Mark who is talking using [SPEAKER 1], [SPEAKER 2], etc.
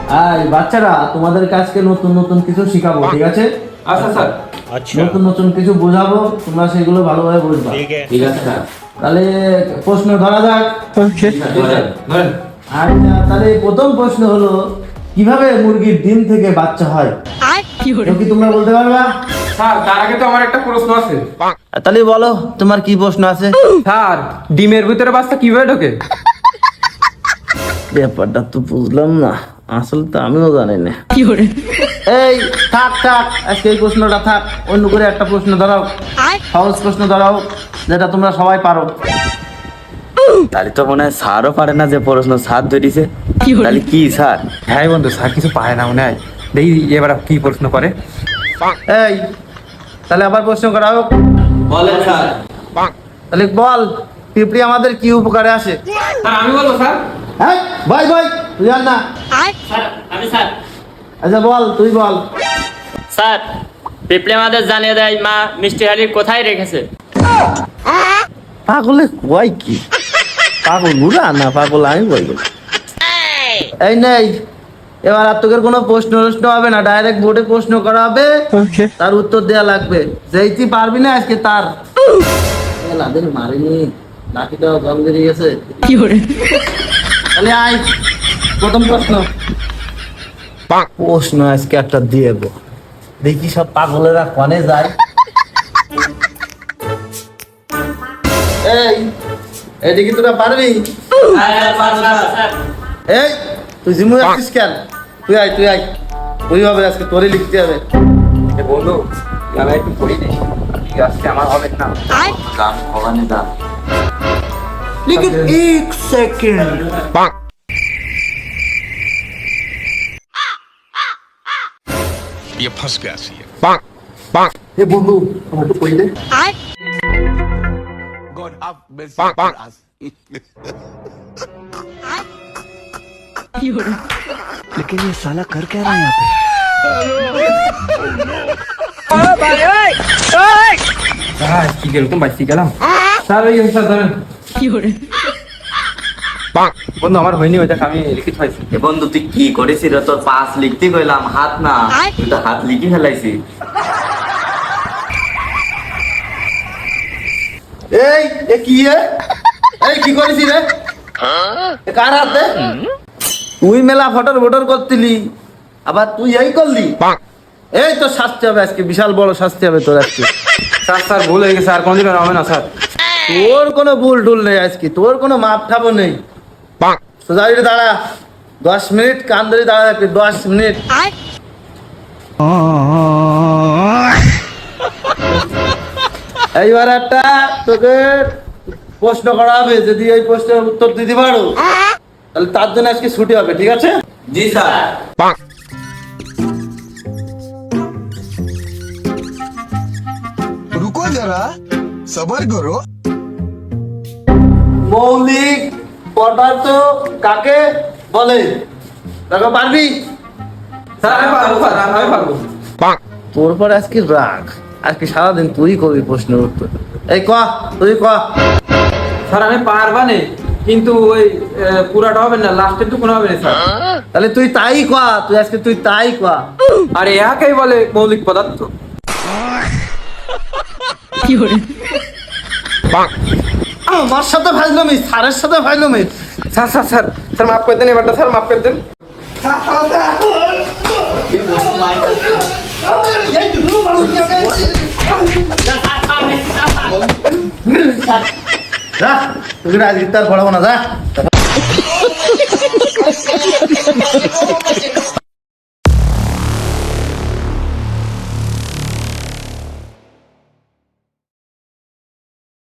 [SPEAKER 1] বাচ্চারা তোমাদের কাছকে নতুন নতুন কিছু শিখাবো, ঠিক আছে?
[SPEAKER 2] আচ্ছা স্যার।
[SPEAKER 1] নতুন নতুন কিছু বোঝাবো, তোমরা সেগুলো ভালোভাবে বুঝবা।
[SPEAKER 2] ঠিক আছে স্যার।
[SPEAKER 1] তাহলে প্রশ্ন ধরা যাক।
[SPEAKER 2] ধরেন।
[SPEAKER 1] আর তাহলে প্রথম প্রশ্ন হলো, কিভাবে মুরগির ডিম থেকে বাচ্চা হয়? কেউ কি তোমরা বলতে পারবা?
[SPEAKER 2] স্যার তার আগে তো আমার একটা প্রশ্ন আছে।
[SPEAKER 1] তাহলে বলো, তোমার কি প্রশ্ন আছে?
[SPEAKER 2] স্যার ডিমের ভিতরে বাচ্চা কিভাবে ঢোকে?
[SPEAKER 1] ব্যাপারটা তো বুঝলাম না, আসলে তো আমিও জানি না। এই থাক থাক, আজকে এই প্রশ্নটা থাক, অন্য করে একটা প্রশ্ন ধরাও, সহজ প্রশ্ন ধরাও, যেটা তোমরা সবাই পারো।
[SPEAKER 3] তাহলে তো মনে হয় স্যারও পারে না, যে প্রশ্ন স্যার ধরিছে। তাহলে কি স্যার?
[SPEAKER 2] হ্যাঁ বন্ধু, স্যার কিছু পায় না মনে হয়। দেখি এবার কি প্রশ্ন করে।
[SPEAKER 1] এই তাহলে আবার প্রশ্ন করা হোক।
[SPEAKER 3] বলেন স্যার।
[SPEAKER 1] তাহলে বল, পিঁপড়ি আমাদের কি উপকারে আসে?
[SPEAKER 2] স্যার আমি বলবো স্যার।
[SPEAKER 1] হ্যাঁ ভাই ভাই, তুই জান না?
[SPEAKER 4] স্যার
[SPEAKER 1] আচ্ছা বল, তুই বল।
[SPEAKER 4] স্যার পিঁপড়ে আমাদের জানিয়ে দেয় মা মিষ্টি হাড়ি কোথায় রেখেছে।
[SPEAKER 1] পাগলে কয় কি? পাগল বুড়া না পাগল আমি বলবো। এই নেই, এবার আর তোকে কোনো প্রশ্ন হবে না, ডাইরেক্ট বোর্ডে প্রশ্ন করা হবে, তার উত্তর দেয়া লাগবে। যেই তুই পারবি না আজকে তার লাদের মারিনি, লাঠিটাও জল বেরিয়ে গেছে। তাহলে আয়, প্রথম প্রশ্ন। প্রশ্ন আজকে একটা দিয়ে দেবো, দেখি সব পাগলেরা কনে যায়। এই এটা কি তোরা পারবি? এই তুই জিমু যাচ্ছিস কেন? তুই আয় ওইভাবে আজকে তোরে লিখতে হবে।
[SPEAKER 2] বন্ধু আমি একটু পড়ি নি, আজকে আমার হবে না।
[SPEAKER 3] গান ভবানী দা।
[SPEAKER 1] लेकिन एक सेकंड
[SPEAKER 5] ये फंस गया सी है।
[SPEAKER 1] এ বন্ধু আমার তো কইলে
[SPEAKER 5] God have mercy on us.
[SPEAKER 6] लेकिन ये साला कर क्या रहा है यहाँ पे?
[SPEAKER 2] কি কিরকম বাইসি গেলাম স্যার। ওই স্যার ধরেন। বন্ধু আমার হয়নি, ওই দেখ আমি লিখিত পাইছি।
[SPEAKER 3] এ বন্ধু তুই কি করেছিস রে? তোর পাস লিখতে কইলাম, হাত না, তুই তো হাত লিখে ফেলাইছি।
[SPEAKER 1] এই এ কি এই কি করেছিস রে? এ কার হাতে? তুই মেলা ফটর করতিলি, আবার তুই এই করলি? এই তো শাস্তি হবে আজকে, বিশাল বড় শাস্তি হবে তোর আজকে।
[SPEAKER 2] স্যার ভুল হয়ে গেছে, আর কোনদিন হবে না স্যার।
[SPEAKER 1] তোর কোনো ভুল টুল নেই আজকে, তোর কোনো মাপ ঠাপও নেই। সোজা হয়ে দাঁড়া, 10 মিনিট কান ধরে দাঁড়া থাকবি, 10 মিনিট। এইবার একটা তোকে প্রশ্ন করা হবে, যদি এই প্রশ্নের উত্তর দিতে পারো তাহলে তার জন্য আজকে ছুটি হবে, ঠিক আছে?
[SPEAKER 3] জি স্যার।
[SPEAKER 5] रुको जरा सबर करो।
[SPEAKER 1] মৌলিক পদার্থ কাকে বলে? দেখো পারবি?
[SPEAKER 2] স্যার আমি পারবো, স্যার আমি পারবো।
[SPEAKER 1] তোর পর আজকে রাগ, আজকে সারাদিন তুই করবি প্রশ্নের উত্তর। এই ক, তুই ক।
[SPEAKER 2] স্যার আমি পারবা নেই, কিন্তু ওই পুরাটা হবে না, লাস্টের টুকুন হবে না স্যার।
[SPEAKER 1] তাহলে তুই তাই ক, তুই তাই ক।
[SPEAKER 2] আর একেই বলে মৌলিক পদার্থ।
[SPEAKER 1] আমার সাথে ফাইজলামি, স্যারের সাথে ফাইজলামি।
[SPEAKER 2] স্যার স্যার স্যার স্যার মাফ করে দেন, এবারটা স্যার মাফ করে দেন।
[SPEAKER 1] যা, তুই আজ ইফতার পড়াবো না, যা।